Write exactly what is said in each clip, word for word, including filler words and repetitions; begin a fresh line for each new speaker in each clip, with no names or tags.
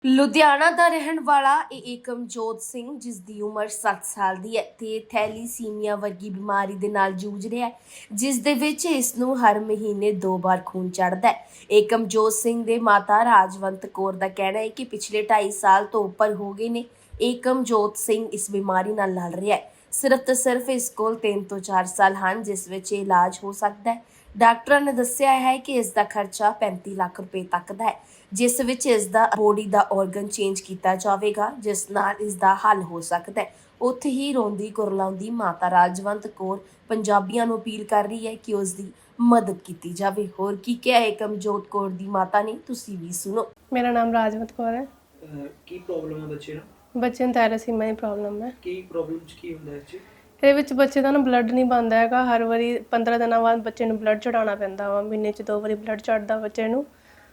ਲੁਧਿਆਣਾ ਦਾ ਰਹਿਣ ਵਾਲਾ ਇਹ ਏਕਮਜੋਤ ਸਿੰਘ, ਜਿਸ ਦੀ ਉਮਰ ਸੱਤ ਸਾਲ ਦੀ ਹੈ ਤੇ ਥੈਲੀਸੀਮੀਆ ਵਰਗੀ ਬਿਮਾਰੀ ਦੇ ਨਾਲ ਜੂਝ ਰਿਹਾ ਹੈ, ਜਿਸ ਦੇ ਵਿੱਚ ਇਸ ਨੂੰ ਹਰ ਮਹੀਨੇ ਦੋ ਵਾਰ ਖੂਨ ਚੜ੍ਹਦਾ ਹੈ। ਏਕਮਜੋਤ ਸਿੰਘ ਦੇ ਮਾਤਾ ਰਾਜਵੰਤ ਕੌਰ ਦਾ ਕਹਿਣਾ ਹੈ ਕਿ ਪਿਛਲੇ ਢਾਈ ਸਾਲ ਤੋਂ ਉੱਪਰ ਹੋ ਗਏ ਨੇ ਏਕਮਜੋਤ ਸਿੰਘ ਇਸ ਬਿਮਾਰੀ ਨਾਲ ਲੜ ਰਿਹਾ ਹੈ। ਸਿਰਫ ਤੇ ਸਿਰਫ ਇਸ ਕੋਲ ਤਿੰਨ ਤੋਂ ਚਾਰ ਸਾਲ ਹਨ ਜਿਸ ਵਿੱਚ ਇਹ ਇਲਾਜ ਹੋ ਸਕਦਾ ਹੈ। ਡਾਕਟਰਾਂ ਨੇ ਦੱਸਿਆ ਹੈ ਕਿ ਇਸ ਦਾ ਖਰਚਾ ਪੈਂਤੀ ਲੱਖ ਰੁਪਏ ਤੱਕ ਦਾ ਹੈ, ਜਿਸ ਵਿੱਚ ਇਸ ਦਾ ਬੋਡੀ ਦਾ ਆਰਗਨ ਚੇਂਜ ਕੀਤਾ ਜਾਵੇਗਾ, ਜਿਸ ਨਾਲ ਇਸ ਦਾ ਹੱਲ ਹੋ ਸਕਦਾ ਹੈ। ਉੱਥੇ ਹੀ ਰੋਂਦੀ ਕੁਰਲਾਉਂਦੀ ਮਾਤਾ ਰਾਜਵੰਤ ਕੌਰ ਪੰਜਾਬੀਆਂ ਨੂੰ ਅਪੀਲ ਕਰ ਰਹੀ ਹੈ ਕਿ ਉਸ ਦੀ ਮਦਦ ਕੀਤੀ ਜਾਵੇ। ਹੋਰ ਕੀ ਕਿਹਾ ਏਕਮਜੋਤ ਕੌਰ ਦੀ ਮਾਤਾ ਨੇ, ਤੁਸੀਂ ਵੀ ਸੁਣੋ।
ਮੇਰਾ ਨਾਮ ਰਾਜਵੰਤ ਕੌਰ ਹੈ।
ਕੀ ਪ੍ਰੋਬਲਮ ਹੈ ਬੱਚੇ ਨੂੰ?
ਬੱਚੇ ਨੂੰ ਥੈਲੇਸੀਮੀਆ ਦੀ ਪ੍ਰੋਬਲਮ ਹੈ।
ਕੀ ਪ੍ਰੋਬਲਮ ਚ ਕੀ ਹੁੰਦਾ ਹੈ ਜੀ?
ਇਹਦੇ ਵਿੱਚ ਬੱਚੇ ਦਾ ਨਾ ਬਲੱਡ ਨਹੀਂ ਬਣਦਾ ਹੈਗਾ। ਹਰ ਵਾਰੀ ਪੰਦਰਾਂ ਦਿਨਾਂ ਬਾਅਦ ਬੱਚੇ ਨੂੰ ਬਲੱਡ ਚੜਾਉਣਾ ਪੈਂਦਾ ਵਾ। ਮਹੀਨੇ 'ਚ ਦੋ ਵਾਰੀ ਬਲੱਡ ਚੜਦਾ ਬੱਚੇ ਨੂੰ।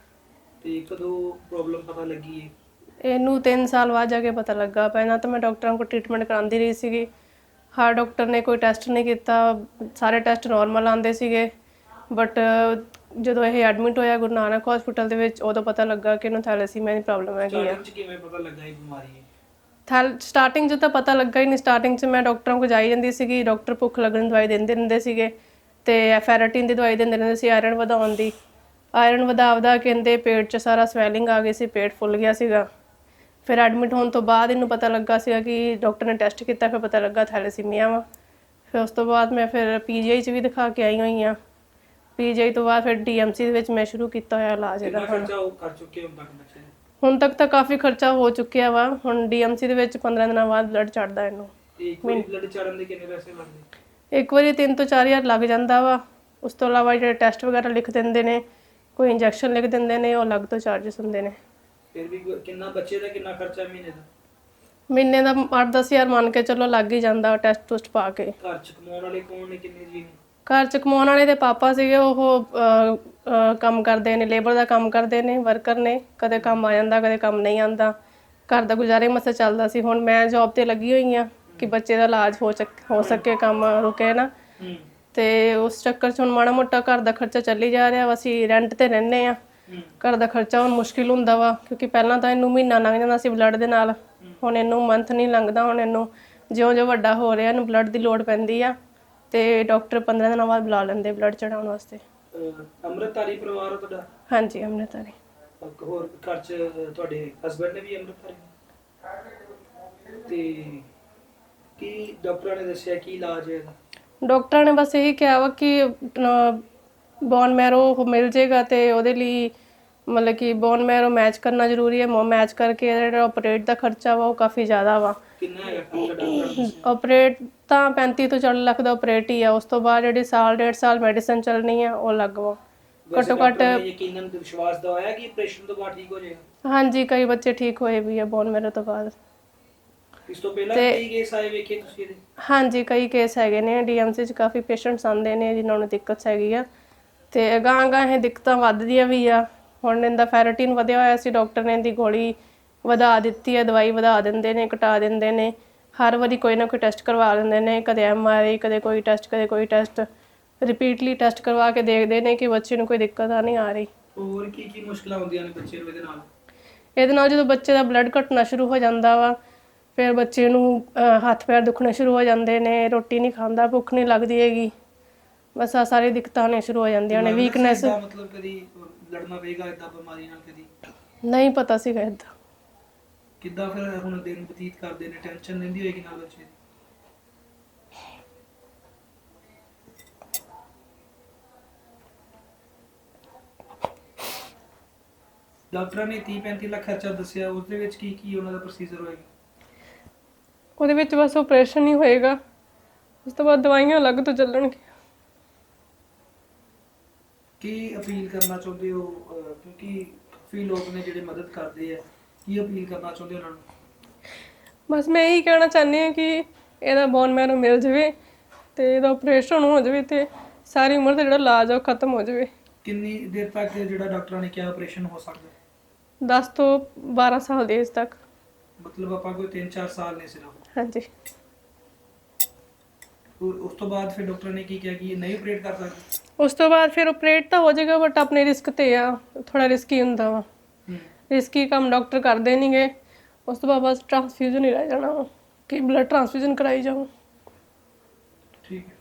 ਤੇ ਕਦੋਂ ਪ੍ਰੋਬਲਮ ਪਤਾ ਲੱਗੀ ਹੈ?
ਇਹਨੂੰ ਤਿੰਨ ਸਾਲ ਬਾਅਦ ਜਾ ਕੇ ਪਤਾ ਲੱਗਾ। ਪਹਿਲਾਂ ਤਾਂ ਮੈਂ ਡਾਕਟਰਾਂ ਕੋਲ ਟ੍ਰੀਟਮੈਂਟ ਕਰਾਉਂਦੀ ਰਹੀ ਸੀਗੀ। ਹਰ ਡਾਕਟਰ ਨੇ ਕੋਈ ਟੈਸਟ ਨਹੀਂ ਕੀਤਾ, ਸਾਰੇ ਟੈਸਟ ਨੋਰਮਲ ਆਉਂਦੇ ਸੀਗੇ। ਬਟ ਜਦੋਂ ਇਹ ਐਡਮਿਟ ਹੋਇਆ ਗੁਰੂ ਨਾਨਕ ਹਸਪੀਟਲ ਦੇ ਵਿੱਚ, ਉਦੋਂ ਪਤਾ ਲੱਗਾ ਕਿ ਇਹਨੂੰ ਥੈਲੇਸੀਮੀਆ ਦੀ ਪ੍ਰੋਬਲਮ ਹੈਗੀ ਆ।
ਸਟਾਰਟਿੰਗ ਚ ਕਿਵੇਂ ਪਤਾ ਲੱਗਾ ਇਹ ਬਿਮਾਰੀ ਹੈ?
ਥੈਲ ਸਟਾਰਟਿੰਗ 'ਚ ਤਾਂ ਪਤਾ ਲੱਗਾ ਹੀ ਨਹੀਂ। ਸਟਾਰਟਿੰਗ 'ਚ ਮੈਂ ਡਾਕਟਰਾਂ ਕੋਲ ਜਾਈ ਜਾਂਦੀ ਸੀਗੀ। ਡਾਕਟਰ ਭੁੱਖ ਲੱਗਣ ਦੀ ਦਵਾਈ ਦਿੰਦੇ ਰਹਿੰਦੇ ਸੀਗੇ ਅਤੇ ਫੈਰਾਟੀਨ ਦੀ ਦਵਾਈ ਦਿੰਦੇ ਰਹਿੰਦੇ ਸੀ, ਆਇਰਨ ਵਧਾਉਣ ਦੀ। ਆਇਰਨ ਵਧਾ ਵਧਾ ਕਹਿੰਦੇ ਪੇਟ 'ਚ ਸਾਰਾ ਸਵੈਲਿੰਗ ਆ ਗਈ ਸੀ, ਪੇਟ ਫੁੱਲ ਗਿਆ ਸੀਗਾ। ਫਿਰ ਐਡਮਿਟ ਹੋਣ ਤੋਂ ਬਾਅਦ ਇਹਨੂੰ ਪਤਾ ਲੱਗਾ ਸੀਗਾ ਕਿ ਡਾਕਟਰ ਨੇ ਟੈਸਟ ਕੀਤਾ, ਫਿਰ ਪਤਾ ਲੱਗਾ ਥੈਲੇਸੀਮੀਆ ਵਾ। ਫਿਰ ਉਸ ਤੋਂ ਬਾਅਦ ਮੈਂ ਫਿਰ ਪੀ ਜੀ ਆਈ 'ਚ ਵੀ ਦਿਖਾ ਕੇ ਆਈ ਹੋਈ ਹਾਂ। ਪੀ ਜੀ ਆਈ ਤੋਂ ਬਾਅਦ ਫਿਰ ਡੀ ਐਮ ਸੀ ਦੇ ਵਿੱਚ ਮੈਂ ਸ਼ੁਰੂ ਕੀਤਾ ਹੋਇਆ ਇਲਾਜ ਇਹਦਾ।
ਕਿੰਨਾ ਖਰਚਾ ਉਹ ਕਰ ਚੁੱਕੇ ਹੋ ਤੱਕ ਬੱਚੇ ਨੇ?
ਹੁਣ ਤੱਕ ਤਾਂ ਕਾਫੀ ਖਰਚਾ ਹੋ ਚੁੱਕਿਆ ਵਾ। ਹੁਣ ਡੀ ਐਮ ਸੀ ਦੇ ਵਿੱਚ ਪੰਦਰਾਂ ਦਿਨਾਂ ਬਾਅਦ ਬਲੱਡ ਚੜ੍ਹਦਾ ਇਹਨੂੰ।
ਤੇ ਇੱਕ ਵਾਰੀ ਬਲੱਡ ਚੜਨ ਦੇ ਕਿੰਨੇ ਪੈਸੇ ਲੱਗਦੇ?
ਇੱਕ ਵਾਰੀ ਤਿੰਨ ਤੋਂ ਚਾਰ ਹਜ਼ਾਰ ਲੱਗ ਜਾਂਦਾ ਵਾ। ਉਸ ਤੋਂ ਇਲਾਵਾ ਜਿਹੜੇ ਟੈਸਟ ਵਗੈਰਾ ਲਿਖ ਦਿੰਦੇ ਨੇ, ਕੋਈ ਇੰਜੈਕਸ਼ਨ ਲਿਖ ਦਿੰਦੇ ਨੇ, ਉਹ ਅਲੱਗ ਤੋਂ ਚਾਰਜਸ ਹੁੰਦੇ ਨੇ।
ਫਿਰ ਵੀ ਕਿੰਨਾ ਬੱਚੇ ਦਾ ਕਿੰਨਾ ਖਰਚਾ ਮਹੀਨੇ ਦਾ?
ਮਹੀਨੇ ਦਾ ਅੱਠ ਦਸ ਹਜ਼ਾਰ ਮੰਨ ਕੇ ਚਲੋ ਲੱਗ ਹੀ ਜਾਂਦਾ ਟੈਸਟ ਟੁਸਟ ਪਾ ਕੇ।
ਘਰ ਚ ਕਮਾਉਣ ਵਾਲੇ ਕੌਣ ਨੇ, ਕਿੰਨੇ ਜੀ ਨੇ?
ਘਰ 'ਚ ਕਮਾਉਣ ਵਾਲੇ ਦੇ ਪਾਪਾ ਸੀਗੇ, ਉਹ ਅਹ, ਅਹ, ਕੰਮ ਕਰਦੇ ਨੇ, ਲੇਬਰ ਦਾ ਕੰਮ ਕਰਦੇ ਨੇ, ਵਰਕਰ ਨੇ। ਕਦੇ ਕੰਮ ਆ ਜਾਂਦਾ, ਕਦੇ ਕੰਮ ਨਹੀਂ ਆਉਂਦਾ। ਘਰ ਦਾ ਗੁਜ਼ਾਰੇ ਮਸਾ ਚੱਲਦਾ ਸੀ। ਹੁਣ ਮੈਂ ਜੌਬ ਤੇ ਲੱਗੀ ਹੋਈ ਹਾਂ ਕਿ ਬੱਚੇ ਦਾ ਇਲਾਜ ਹੋ ਸਕ ਹੋ ਸਕੇ, ਕੰਮ ਰੁਕੇ ਨਾ। ਤੇ ਉਸ ਚੱਕਰ 'ਚ ਹੁਣ ਮਾੜਾ ਮੋਟਾ ਘਰ ਦਾ ਖਰਚਾ ਚੱਲੀ ਜਾ ਰਿਹਾ ਵਾ। ਅਸੀਂ ਰੈਂਟ ਤੇ ਰਹਿੰਦੇ ਹਾਂ। ਘਰ ਦਾ ਖਰਚਾ ਹੁਣ ਮੁਸ਼ਕਿਲ ਹੁੰਦਾ ਵਾ, ਕਿਉਂਕਿ ਪਹਿਲਾਂ ਤਾਂ ਇਹਨੂੰ ਮਹੀਨਾ ਲੰਘ ਜਾਂਦਾ ਸੀ ਬਲੱਡ ਦੇ ਨਾਲ। ਹੁਣ ਇਹਨੂੰ ਮੰਥ ਨਹੀਂ ਲੰਘਦਾ। ਹੁਣ ਇਹਨੂੰ ਜਿਉਂ ਜਿਉਂ ਵੱਡਾ ਹੋ ਰਿਹਾ ਇਹਨੂੰ ਬਲੱਡ ਦੀ ਲੋੜ ਪੈਂਦੀ ਆ, ਤੇ ਡਾਕਟਰ ਪੰਦਰਾਂ ਦਿਨਾਂ ਬਾਅਦ ਬੁਲਾ ਲੈਂਦੇ ਬਲੱਡ ਚੜਾਉਣ ਵਾਸਤੇ।
ਅੰਮ੍ਰਿਤਧਾਰੀ ਪਰਿਵਾਰ ਹੋ ਤੁਹਾਡਾ?
ਹਾਂਜੀ, ਅੰਮ੍ਰਿਤਧਾਰੀ।
ਹੋਰ ਘਰ ਚ ਤੁਹਾਡੇ ਹਸਬੰਡ ਨੇ ਵੀ ਅੰਮ੍ਰਿਤਧਾਰੀ? ਤੇ ਕੀ ਡਾਕਟਰਾਂ ਨੇ ਦੱਸਿਆ ਕੀ ਇਲਾਜ ਹੈ ਇਹਦਾ?
ਡਾਕਟਰਾਂ ਨੇ ਬਸ ਇਹੀ ਕਿਹਾ ਵਾ ਕਿ ਬੋਨ ਮੈਰੋ ਮਿਲ ਜੇਗਾ, ਤੇ ਉਹਦੇ ਲਈ ਮਤਲਬ ਕਿ ਬੋਨ ਮੈਰੋ ਮੈਚ ਕਰਨਾ ਜ਼ਰੂਰੀ ਹੈ। ਮੈਚ ਕਰਕੇ ਜਿਹੜਾ ਆਪਰੇਟ ਦਾ ਖਰਚਾ ਵਾ ਉਹ ਕਾਫੀ ਜ਼ਿਆਦਾ ਵਾ।
ਕਿੰਨਾ ਹੈਗਾ ਖਰਚਾ ਡਾਕਟਰਾਂ ਨੇ?
ਆਪਰੇਟ ਤਾਂ ਪੈਂਤੀ ਤੋਂ ਚਾਲੀ ਲੱਖ ਦਾ ਆਪਰੇਟ ਹੀ ਆ। ਉਸ ਤੋਂ ਬਾਅਦ ਜਿਹੜੀ ਸਾਲ ਡੇਢ ਸਾਲ ਮੈਡੀਸਨ ਚੱਲਣੀ ਆ ਉਹ ਅਲੱਗ ਵਾ। ਘੱਟੋ ਘੱਟ
ਯਕੀਨਨ ਵਿਸ਼ਵਾਸ ਦਵਾਇਆ ਕਿ ਆਪਰੇਸ਼ਨ ਤੋਂ ਬਾਅਦ ਠੀਕ ਹੋ ਜਾਏਗਾ?
ਹਾਂਜੀ, ਕਈ ਬੱਚੇ ਠੀਕ ਹੋਏ ਵੀ ਆ ਬੋਨ ਮੈਰੋ ਤੋਂ ਬਾਅਦ।
ਇਸ ਤੋਂ ਪਹਿਲਾਂ ਕਈ ਕੇਸ ਆਏ ਵੇਖੇ ਤੁਸੀਂ ਇਹਦੇ?
ਹਾਂਜੀ, ਕਈ ਕੇਸ ਹੈਗੇ ਨੇ। ਡੀ ਐਮ ਸੀ 'ਚ ਕਾਫੀ ਪੇਸ਼ੈਂਟਸ ਆਉਂਦੇ ਨੇ ਜਿਨ੍ਹਾਂ ਨੂੰ ਦਿੱਕਤ ਹੈਗੀ ਆ, ਤੇ ਅਗਾਂਹ ਅਗਾਂਹ ਇਹ ਦਿੱਕਤਾਂ ਵੱਧਦੀਆਂ ਵੀ ਆ। ਹੁਣ ਇਹਦਾ ਫੈਰਾਟੀਨ ਵਧਿਆ ਹੋਇਆ ਸੀ, ਡਾਕਟਰ ਨੇ ਇਹਦੀ ਗੋਲੀ ਵਧਾ ਦਿੱਤੀ ਹੈ, ਦਵਾਈ ਵਧਾ ਦਿੰਦੇ ਨੇ, ਘਟਾ ਦਿੰਦੇ ਨੇ। ਹਰ ਵਾਰੀ ਕੋਈ ਨਾ ਕੋਈ ਟੈਸਟ ਕਰਵਾ ਦਿੰਦੇ ਨੇ, ਕਦੇ ਐਮ ਆਰ ਆਈ, ਕਦੇ ਕੋਈ ਟੈਸਟ, ਕਦੇ ਕੋਈ ਟੈਸਟ। ਰਿਪੀਟਲੀ ਟੈਸਟ ਕਰਵਾ ਕੇ ਦੇਖਦੇ ਨੇ ਕਿ ਬੱਚੇ ਨੂੰ ਕੋਈ ਦਿੱਕਤ ਆ ਨਹੀਂ ਆ ਰਹੀ।
ਹੋਰ ਕੀ ਕੀ ਮੁਸ਼ਕਲਾਂ ਹੁੰਦੀਆਂ ਨੇ ਬੱਚੇ ਨੂੰ ਇਹਦੇ ਨਾਲ?
ਇਹਦੇ ਨਾਲ ਜਦੋਂ ਬੱਚੇ ਦਾ ਬਲੱਡ ਘਟਣਾ ਸ਼ੁਰੂ ਹੋ ਜਾਂਦਾ ਵਾ, ਫਿਰ ਬੱਚੇ ਨੂੰ ਹੱਥ ਪੈਰ ਦੁਖਣੇ ਸ਼ੁਰੂ ਹੋ ਜਾਂਦੇ ਨੇ, ਰੋਟੀ ਨਹੀਂ ਖਾਂਦਾ, ਭੁੱਖ ਨਹੀਂ ਲੱਗਦੀ ਹੈਗੀ। ਬਸ ਆ ਸਾਰੀ ਦਿੱਕਤਾਂ ਨੇ ਸ਼ੁਰੂ ਹੋ ਜਾਂਦੀਆਂ ਨੇ। ਵੀਕਨੈਸ
ਮਤਲਬ ਕਦੀ ਲੜਨਾ ਪਏਗਾ ਇਦਾਂ ਬਿਮਾਰੀ ਨਾਲ? ਕਦੀ
ਨਹੀਂ ਪਤਾ ਸੀਗਾ ਇੱਦਾਂ।
ਕਿੱਦਾਂ ਫਿਰ ਹੁਣ ਦਿਨ ਬਤੀਤ ਕਰਦੇ ਨੇ? ਟੈਨਸ਼ਨ ਲੈਂਦੀ ਹੋਏਗੀ ਨਾਲ ਬੱਚੇ? ਡਾਕਟਰਾਂ ਨੇ ਤੀਹ ਪੈਂਤੀ ਲੱਖ ਖਰਚਾ ਦੱਸਿਆ, ਉਸ ਦੇ ਵਿੱਚ ਕੀ ਕੀ ਉਹਨਾਂ ਦਾ ਪ੍ਰੋਸੀਜਰ ਹੋਏਗਾ?
ਉਹਦੇ ਵਿੱਚ ਬਸ ਆਪਰੇਸ਼ਨ ਹੀ ਹੋਏਗਾ, ਉਸ ਤੋਂ ਬਾਅਦ ਦਵਾਈਆਂ ਅਲੱਗ ਤੋਂ ਚੱਲਣਗੀਆਂ।
ਕੀ ਅਪੀਲ ਕਰਨਾ ਚਾਹੁੰਦੇ ਹੋ, ਕਿਉਂਕਿ ਕਾਫੀ ਲੋਕ ਨੇ ਜਿਹੜੇ ਮਦਦ ਕਰਦੇ ਆ, ਕੀ ਅਪੀਲ ਕਰਨਾ ਚਾਹੁੰਦੇ ਉਹਨਾਂ ਨੂੰ?
ਬਸ ਮੈਂ ਇਹੀ ਕਹਿਣਾ ਚਾਹੁੰਦੀ ਹਾਂ ਕਿ ਇਹਦਾ ਬੋਨ ਮੈਰੋ ਮਿਲ ਜਾਵੇ ਤੇ ਇਹਦਾ ਆਪਰੇਸ਼ਨ ਹੋ ਜਾਵੇ ਤੇ ਸਾਰੀ ਉਮਰ ਦਾ ਜਿਹੜਾ ਇਲਾਜ ਆ ਉਹ ਖਤਮ ਹੋ ਜਾਵੇ।
ਕਿੰਨੀ ਦੇਰ ਤੱਕ ਜਿਹੜਾ ਡਾਕਟਰਾਂ ਨੇ ਕਿਹਾ ਆਪਰੇਸ਼ਨ ਹੋ ਸਕਦਾ?
ਦਸ ਤੋਂ ਬਾਰਾਂ ਸਾਲ ਦੇ ਏਜ ਤੱਕ।
ਮਤਲਬ ਆਪਾਂ ਕੋਈ ਤਿੰਨ ਚਾਰ ਸਾਲ ਨੇ ਸਿਰਫ?
ਹਾਂਜੀ।
ਉਸ ਤੋਂ ਬਾਅਦ ਫਿਰ ਡਾਕਟਰ ਨੇ ਕੀ ਕਿਹਾ ਕਿ ਨਹੀਂ ਆਪਰੇਟ ਕਰ ਸਕਦੇ?
ਉਸ ਤੋਂ ਬਾਅਦ ਫਿਰ ਆਪਰੇਟ ਤਾਂ ਹੋ ਜਾਏਗਾ, ਬਟ ਆਪਣੇ ਰਿਸਕ ਤੇ ਆ, ਥੋੜਾ ਰਿਸਕੀ ਹੁੰਦਾ ਵਾ। ਰਿਸਕੀ ਕੰਮ ਡਾਕਟਰ ਕਰਦੇ ਨਹੀਂਗੇ। ਉਸ ਤੋਂ ਬਾਅਦ ਬਸ ਟ੍ਰਾਂਸਫਿਊਜ਼ਨ ਹੀ ਰਹਿ ਜਾਣਾ ਵਾ ਕਿ ਬਲੱਡ ਟ੍ਰਾਂਸਫਿਊਜ਼ਨ ਕਰਾਈ ਜਾਓ।
ਠੀਕ ਹੈ।